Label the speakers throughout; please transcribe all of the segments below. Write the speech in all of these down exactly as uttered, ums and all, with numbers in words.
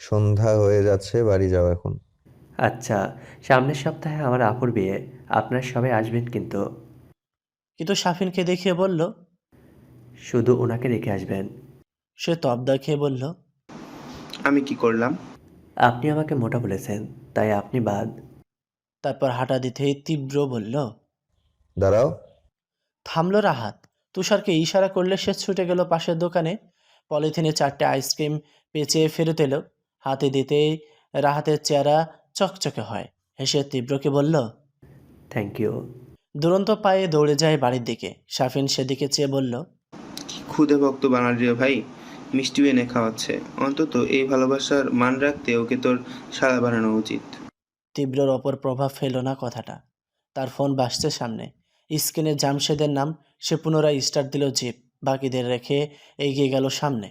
Speaker 1: সন্ধ্যা হয়ে যাচ্ছে, বাড়ি যাও এখন।
Speaker 2: আচ্ছা, সামনের সপ্তাহে আমার আপুর বিয়ে। আপনারা সবাই আসবেন কিন্তু।
Speaker 3: কিন্তু সাফিনকে দেখিয়ে বলল।
Speaker 2: শুধু ওনাকে রেখে আসবেন।
Speaker 3: সে তবদা খেয়ে বলল,
Speaker 4: আমি কি করলাম?
Speaker 2: আপনি আমাকে মোটা বলেছেন, তাই আপনি বাদ।
Speaker 3: তারপর হাঁটা দিতেই তীব্র বলল।
Speaker 1: দাঁড়াও।
Speaker 3: থামল রাহাত। তুষারকে ইশারা করলে সে ছুটে গেল পাশের দোকানে। পলিথিনে চারটে আইসক্রিম পেঁচিয়ে ফেরত এলো। হাতে দিতেই রাহাতের চেহারা চকচকে হয়। হেসে তীব্রকে বলল,
Speaker 2: থ্যাংক ইউ।
Speaker 3: দুরন্ত পায়ে দৌড়ে যায় বাড়ির দিকে। সাফিন সেদিকে চেয়ে বলল,
Speaker 4: কি ক্ষুদে ভক্ত বানালি রে ভাই, মিষ্টিও এনে খাওয়াচ্ছে। অন্তত এই ভালোবাসার মান রাখতে ওকে তোর শালা বানানো উচিত।
Speaker 3: তীব্রর ওপর প্রভাব ফেলল না কথাটা। তার ফোন বাজছে সামনে। স্ক্রিনে জামশেদের নাম। সে পুনরায় স্টার্ট দিল জিপ। বাকিদের রেখে এগিয়ে গেল সামনে।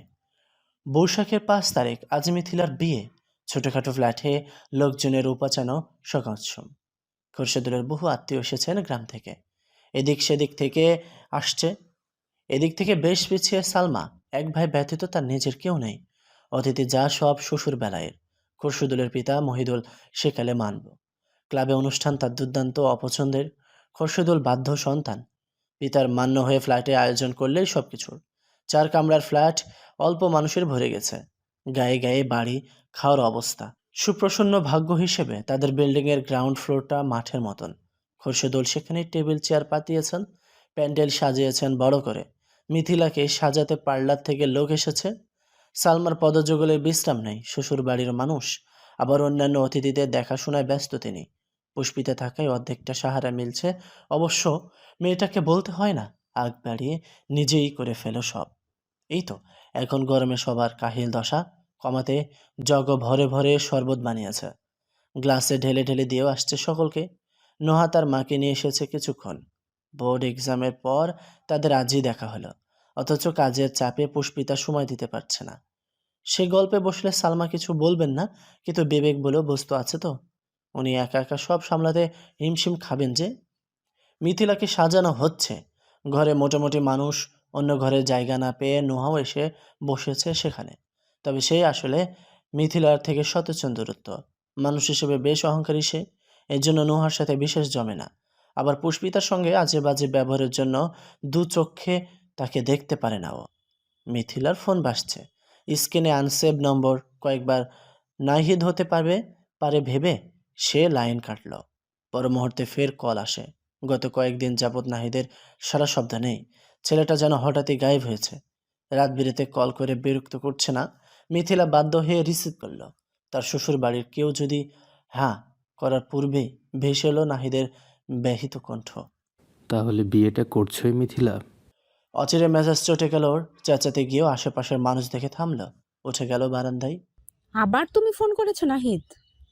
Speaker 3: বৈশাখের পাঁচ তারিখ, আজ মিথিলার বিয়ে। ছোটখাটো ফ্ল্যাটে লোকজনের উপাচানো সকাচ্ছম। খোরশেদুলের বহু আত্মীয় এসেছেন গ্রাম থেকে। এদিক সেদিক থেকে আসছে। এদিক থেকে বেশ পিছিয়ে সালমা। এক ভাই ব্যতীত তার নিজের কেউ নেই। অতিথি যা সব শ্বশুর বেলায়ের। খোরশেদুলের পিতা মহিদুল সেকালে মানব। ক্লাবে অনুষ্ঠান তার দুর্দান্ত অপছন্দের। খোরশেদুল বাধ্য সন্তান। পিতার মান্য হয়ে ফ্ল্যাটে আয়োজন করলেই সব কিছুর। চার কামরার ফ্ল্যাট, অল্প মানুষের ভরে গেছে। গায়ে গায়ে বাড়ি, খাওয়ার অবস্থা। সুপ্রসন্ন ভাগ্য হিসেবে তাদের বিল্ডিংয়ের গ্রাউন্ড ফ্লোরটা মাঠের মতন। খোরশেদুল সেখানে টেবিল চেয়ার পাতিয়েছেন, প্যান্ডেল সাজিয়েছেন বড় করে। মিথিলাকে সাজাতে পার্লার থেকে লোক এসেছে। সালমার পদযুগলের বিশ্রাম নেই। শ্বশুর বাড়ির মানুষ, আবার অন্যান্য অতিথিদের দেখাশোনায় ব্যস্ত তিনি। পুষ্পিতে থাকায় অর্ধেকটা সাহারা মিলছে। অবশ্য মেয়েটাকে বলতে হয় না, আগ বাড়িয়ে নিজেই করে ফেলো সব। এই তো এখন গরমে সবার কাহিল দশা কমাতে জগ ভরে ভরে শরবত বানিয়েছে। গ্লাসে ঢেলে ঢেলে দিয়েও আসছে সকলকে। নোহা তার মাকে নিয়ে এসেছে কিছুক্ষণ। বোর্ড এক্সামের পর তাদের আজই দেখা হলো। অথচ কাজের চাপে পুষ্পিতা সময় দিতে পারছে না। সে গল্পে বসলে সালমা কিছু বলবেন না, কিন্তু বিবেক বলেও বস্তু আছে তো। উনি একা একা সব সামলাতে হিমশিম খাবেন যে। মিথিলাকে সাজানো হচ্ছে। ঘরে মোটামুটি মানুষ। অন্য ঘরের জায়গা না পেয়ে নোহাও এসে বসেছে সেখানে। তবে সে আসলে মিথিলার থেকে শতচন দূরত্ব। মানুষ হিসেবে বেশ অহংকারী সে। এর জন্য নোহার সাথে বিশেষ জমে না। আবার পুষ্পিতার সঙ্গে আজে বাজে ব্যবহারের জন্য দু চক্ষে তাকে দেখতে পারে না ও। মিথিলার ফোন বাজছে। স্ক্রিনে আনসেভ নম্বর। কয়েকবার নাহিদ হতে পারবে পারে ভেবে সে লাইন কাটল। পর মুহূর্তে ফের কল আসে। গত কয়েকদিন যাবৎ নাহিদের সারা শব্দ নেই। ছেলেটা যেন হঠাৎই গায়েব হয়েছে। রাত বিরেতে কল করে বিরক্ত করছে না। মিথিলা বাধ্য হয়ে রিসিভ করল। তার শ্বশুর বাড়ির কেউ যদি হ্যাঁ করার পূর্বেই ভেসে এলো নাহিদের ব্যাহিত কণ্ঠ।
Speaker 5: তাহলে বিয়েটা করছোই মিথিলা?
Speaker 3: অচিরে মেজাজ চটে গেল ওর। চেঁচাতে গিয়েও আশেপাশের মানুষ দেখে থামল। উঠে গেল বারান্দায়।
Speaker 6: আবার তুমি ফোন করেছো নাহিদ?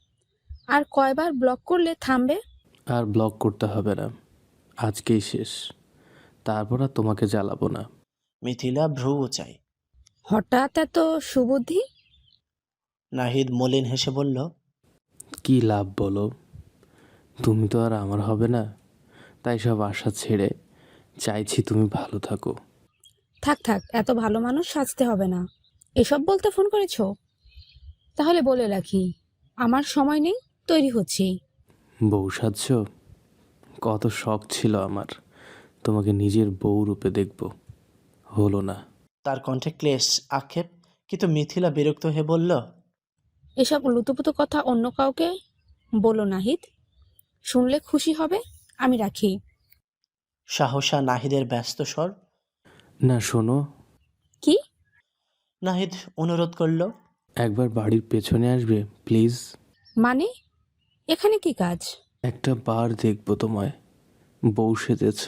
Speaker 6: আর কয়বার ব্লক করলে থামবে?
Speaker 5: আর ব্লক করতে হবে না, আজকেই শেষ। তারপর আর তোমাকে জ্বালাবো না।
Speaker 3: মিথিলা ভ্রু চাই।
Speaker 6: হঠাৎ এত সুবুদ্ধি?
Speaker 3: নাহিদ মলিন হেসে বলল,
Speaker 5: কি লাভ বলো? তুমি তো আর আমার হবে না, তাই সব আশা ছেড়ে চাইছি তুমি ভালো থাকো।
Speaker 6: থাক থাক, এত ভালো মানুষ সাজতে হবে না। এসব বলতে ফোন করেছো? তাহলে বলে রাখি, আমার সময় নেই, তৈরি হচ্ছি।
Speaker 5: বউ সাজছ? কত শখ ছিল আমার তোমাকে নিজের বউ রূপে দেখব, হলো না।
Speaker 3: তার কণ্ঠে ক্লেশ, আক্ষেপ। কিন্তু মিথিলা বিরক্ত হয়ে বলল,
Speaker 6: এসব লুতুপুতু কথা অন্য কাউকে বলো নাহিদ, শুনলে খুশি হবে। আমি রাখি।
Speaker 3: সাহসা নাহিদের ব্যস্ত স্বর।
Speaker 5: না শোনো।
Speaker 6: কি?
Speaker 3: নাহিদ অনুরোধ করল,
Speaker 5: একবার বাড়ির পেছনে আসবে প্লিজ।
Speaker 6: মানে এখানে কি কাজ?
Speaker 5: একটা বার দেখবো তোমায়, বউ সেজেছ।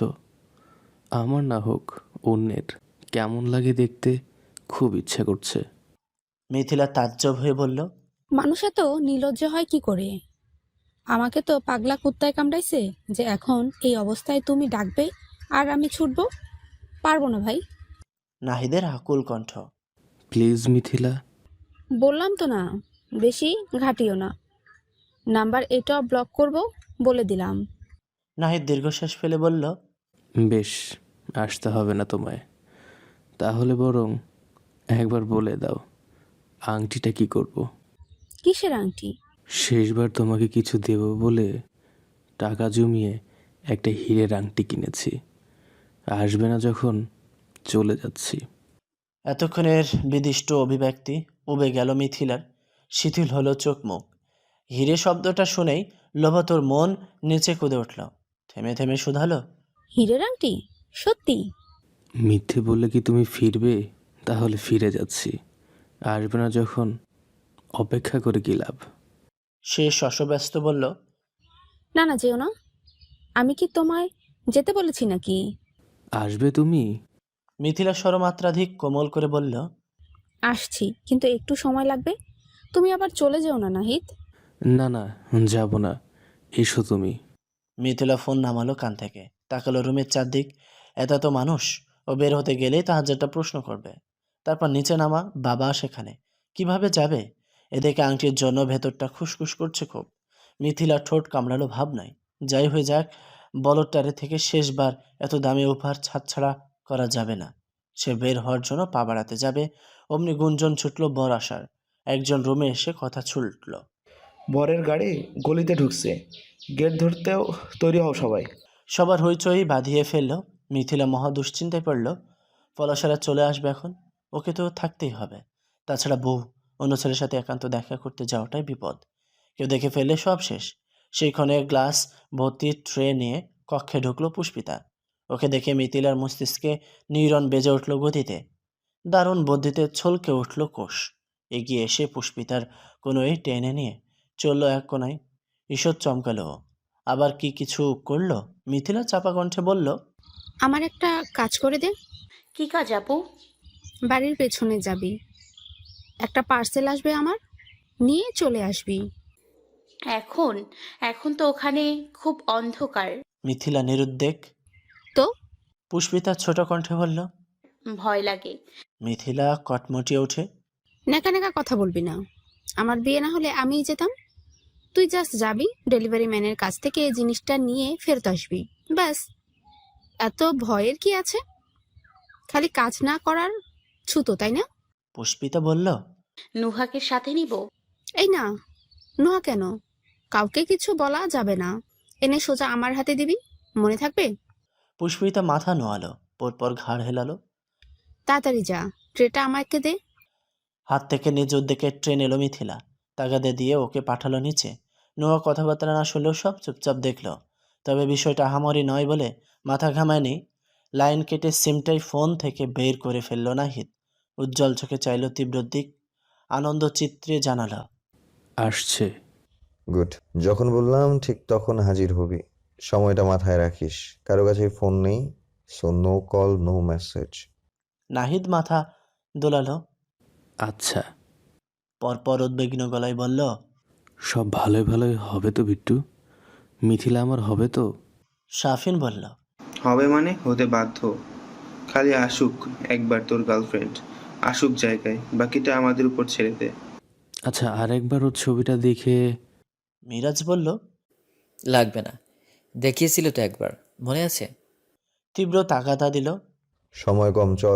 Speaker 5: আমার না হোক অন্যের, কেমন লাগে দেখতে খুব ইচ্ছা করছে।
Speaker 3: মিথিলা তাজ্জব হয়ে বলল,
Speaker 6: মানুষ এত নির্লজ্জ হয় কি করে? আমাকে তো পাগলা কুত্তায় কামড়াইছে যে এখন এই অবস্থায় তুমি ডাকবে আর আমি ছুটবো? পারবো না ভাই।
Speaker 3: নাহিদের আকুল কণ্ঠ।
Speaker 5: প্লিজ মিথিলা।
Speaker 6: বললাম তো না, বেশি ঘাটিও না। নাম্বার এটা ব্লক করব বলে দিলাম।
Speaker 3: নাহিদ দীর্ঘশ্বাস ফেলে বলল,
Speaker 5: বেশ, আসতে হবে না তোমায়। তাহলে বরং একবার বলে দাও আংটিটা কি করব?
Speaker 6: কিসের আংটি?
Speaker 5: শেষবার তোমাকে কিছু দেব বলে টাকা জমিয়ে একটা হীরের আংটি কিনেছি। আসবে না যখন, চলে যাচ্ছি।
Speaker 3: এতক্ষণের বিদিষ্ট অভিব্যক্তি উবে গেল মিথিলার। শিথিল হলো চোখ মুখ। হিরে শব্দটা শুনেই লোভাতোর মন নিচে কুদে উঠল। থেমে থেমে শুধালো,
Speaker 6: হীরের আংটি? সত্যি?
Speaker 5: মিথ্যে বললে কি তুমি ফিরবে? তাহলে ফিরে যাচ্ছি। আসবে না যখন, অপেক্ষা করে কি লাভ?
Speaker 3: সে শশব্যস্ত বলল,
Speaker 6: না না, যেও না। আমি কি তোমায় যেতে বলেছি নাকি?
Speaker 5: আসবে তুমি?
Speaker 3: মিথিলা স্বরমাত্রাধিক কোমল করে বলল,
Speaker 6: আসছি, কিন্তু একটু সময় লাগবে। তুমি আবার চলে যেও না নাহিদ।
Speaker 5: না না, যাব না, এসো তুমি।
Speaker 3: মিথিলা ফোন নামালো কান থেকে, তাকালো রুমের চারদিক। এত এত মানুষ, ও বের হতে গেলেই তাহাজ্জুদটা প্রশ্ন করবে। তারপর নিচে নামা, বাবা সেখানে কিভাবে যাবে? এদিকে আংটির জন্য ভেতরটা খুশখুশ করছে খুব। মিথিলা ঠোঁট কামড়ালো ভাবনায়, যাই হয়ে যাক, বলদটারে থেকে শেষবার এত দামি উপহার ছাড়ছাড়া করা যাবে না। সে বের হওয়ার জন্য পা বাড়াতে যাবে, অমনি গুঞ্জন ছুটল বর আসার। একজন রুমে এসে কথা ছুটল,
Speaker 7: বরের গাড়ি গলিতে ঢুকছে, গেট ধরতেও তৈরি হও সবাই।
Speaker 3: সবার হইচই বাঁধিয়ে ফেলল। মিথিলা মহা দুশ্চিন্তায় পড়ল। পলাশারা চলে আসবে এখন, ওকে তো থাকতেই হবে। তাছাড়া বউ অন্য ছেলের সাথে একান্ত দেখা করতে যাওয়াটাই বিপদ। কেউ দেখে ফেললে সব শেষ। সেই ক্ষণে গ্লাস ভর্তি ট্রে নিয়ে কক্ষে ঢুকলো পুষ্পিতা। ওকে দেখে মিথিলার মস্তিষ্কে নিউরন বেজে উঠল গতিতে। দারুণ বুদ্ধিতে ছলকে উঠল কোষ। এগিয়ে এসে পুষ্পিতার কোনোই টেনে নিয়ে চলল এক কোনায়। ঈষৎ চমকালো ও। আবার কি কিছু করলো? মিথিলা চাপা কণ্ঠে বলল,
Speaker 6: আমার একটা কাজ করে দে।
Speaker 8: কি কাজ আপু?
Speaker 6: বাড়ির পেছনে যাবি, একটা পার্সেল আসবে আমার, নিয়ে চলে আসবি।
Speaker 8: এখন এখন তো ওখানে খুব অন্ধকার।
Speaker 3: মিথিলা নিরুদ্বেগ।
Speaker 6: তো
Speaker 3: পুষ্পিতা ছোট কণ্ঠে বলল।
Speaker 8: ভয় লাগে।
Speaker 3: মিথিলা কটমটিয়ে ওঠে।
Speaker 6: নেকা নেকা কথা বলবি না। আমার বিয়ে না হলে আমিই যেতাম। তুই জাস্ট যাবি, ডেলিভারি ম্যানের কাছ থেকে এই জিনিসটা নিয়ে ফেরত আসবি, ব্যাস। এত ভয়ের কি আছে? খালি কাজ না করার ছুতো, তাই না?
Speaker 3: পুষ্পিতা বলল,
Speaker 8: নুহাকে সাথে নিব?
Speaker 6: এই না, নোহা কেন? কাউকে কিছু বলা যাবে না। এনে সোজা আমার হাতে দিবি, মনে থাকবে?
Speaker 3: পুষ্পিতা মাথা নোয়ালো, পরপর ঘাড় হেলালো।
Speaker 6: তাড়াতাড়ি যা, ট্রেটা আমাকে দে।
Speaker 3: হাত থেকে নিজ উদ্যোগে ট্রেন এলো মিথিলা। তাগাদে দিয়ে ওকে পাঠালো নিচে। নোয়া কথাবার্তা না শুনলেও সব চুপচাপ দেখলো। তবে বিষয়টা আহামরি নয় বলে মাথা ঘামায়নি। লাইন কেটে সিমটাই ফোন থেকে বের করে ফেলল নাহিদ। উজ্জ্বল চোখে চাইল তীব্র দিক, আনন্দ চিত্রে জানালো,
Speaker 5: আসছে।
Speaker 1: গুড। যখন বললাম ঠিক তখন হাজির হবি। সময়টা মাথায় রাখিস। কারো কাছে ফোন নেই, so no call, no message.
Speaker 3: Nahid মাথা দোলালো,
Speaker 5: আচ্ছা।
Speaker 3: পরপর উদ্বিগ্ন গলায় বলল,
Speaker 5: সব ভালোই ভালোই হবে তো বিট্টু? মিথিলা আমার হবে তো?
Speaker 3: শাফিন বলল,
Speaker 4: হবে মানে হতে বাধ্য। খালি আসুক একবার তোর গার্লফ্রেন্ড, আসুক জায়গায়, বাকিটা আমাদের উপর ছেড়ে দে।
Speaker 5: আচ্ছা, আরেকবার ওর ছবিটা দেখে।
Speaker 3: মিরাজ বলল,
Speaker 9: লাগবে না, দেখিয়েছিল তো একবার, মনে আছে?
Speaker 3: তীব্র তাগাদা দিল।
Speaker 1: সময় কম, চল।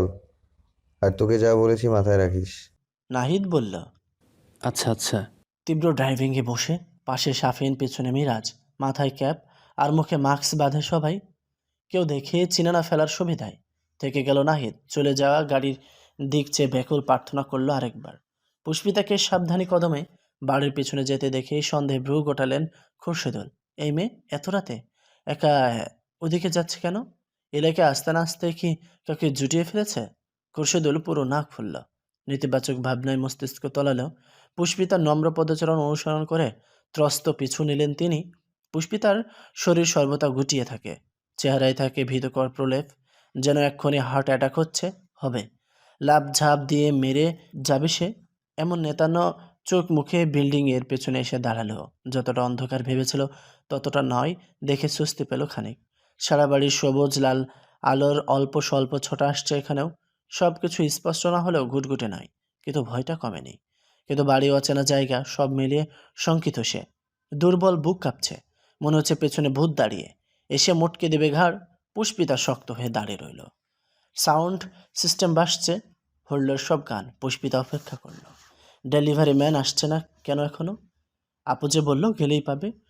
Speaker 1: আর তোকে যা বলেছি মাথায় রাখিস।
Speaker 3: নাহিদ বলল,
Speaker 5: আচ্ছা আচ্ছা।
Speaker 3: তীব্র ড্রাইভিংয়ে বসে, পাশে শাফিন, পেছনে মিরাজ, মাথায় ক্যাপ আর মুখে মাস্ক বাঁধে সবাই। কেউ দেখে চিনে না ফেলার সুবিধায় থেকে গেল নাহিদ। চলে যাওয়া গাড়ির দিক চেয়ে ব্যাকুল প্রার্থনা করলো আরেকবার। পুষ্পিতাকে সাবধানী কদমে বাড়ির পেছনে যেতে দেখে সন্দেহে ভ্রু গোটালেন খুরশেদুল। এই মেয়ে এত রাতে একা ওদিকে যাচ্ছে কেন? এলাকায় আসতে না আসতে কি কাউকে জুটিয়ে ফেলেছে? খুরশেদুল পুরো নাক ফুলল। নেতিবাচক ভাবনায় মস্তিষ্ক তলালেও পুষ্পিতার নম্র পদচারণ অনুসরণ করে ত্রস্ত পিছু নিলেন তিনি। পুষ্পিতার শরীর সর্বদা গুটিয়ে থাকে, চেহারায় থাকে ভীতকর প্রলেপ, যেন এক্ষুনি হার্ট অ্যাটাক হচ্ছে, হবে, লাভ ঝাঁপ দিয়ে মেরে যাবে সে। এমন নেতানো চোখ মুখে বিল্ডিংয়ের পেছনে এসে দাঁড়ালো। যতটা অন্ধকার ভেবেছিল ততটা নয় দেখে স্বস্তি পেল খানিক। সারা বাড়ির সবুজ লাল আলোর অল্প স্বল্প ছোটা আসছে এখানেও। সব কিছু স্পষ্ট না হলেও ঘুটঘুটে নয়, কিন্তু ভয়টা কমেনি। কিন্তু বাড়ি অচেনা জায়গা, সব মিলিয়ে শঙ্কিত সে। দুর্বল বুক কাঁপছে, মনে হচ্ছে পেছনে ভূত দাঁড়িয়ে এসে মোটকে দেবে ঘাড়। পুষ্পিতা শক্ত হয়ে দাঁড়িয়ে রইল। সাউন্ড সিস্টেম বাসছে, হল্লোর সব গান। পুষ্পিতা অপেক্ষা করল। ডেলিভারি ম্যান আসছে না কেন এখনো? আপু যে বলল গেলেই পাবে।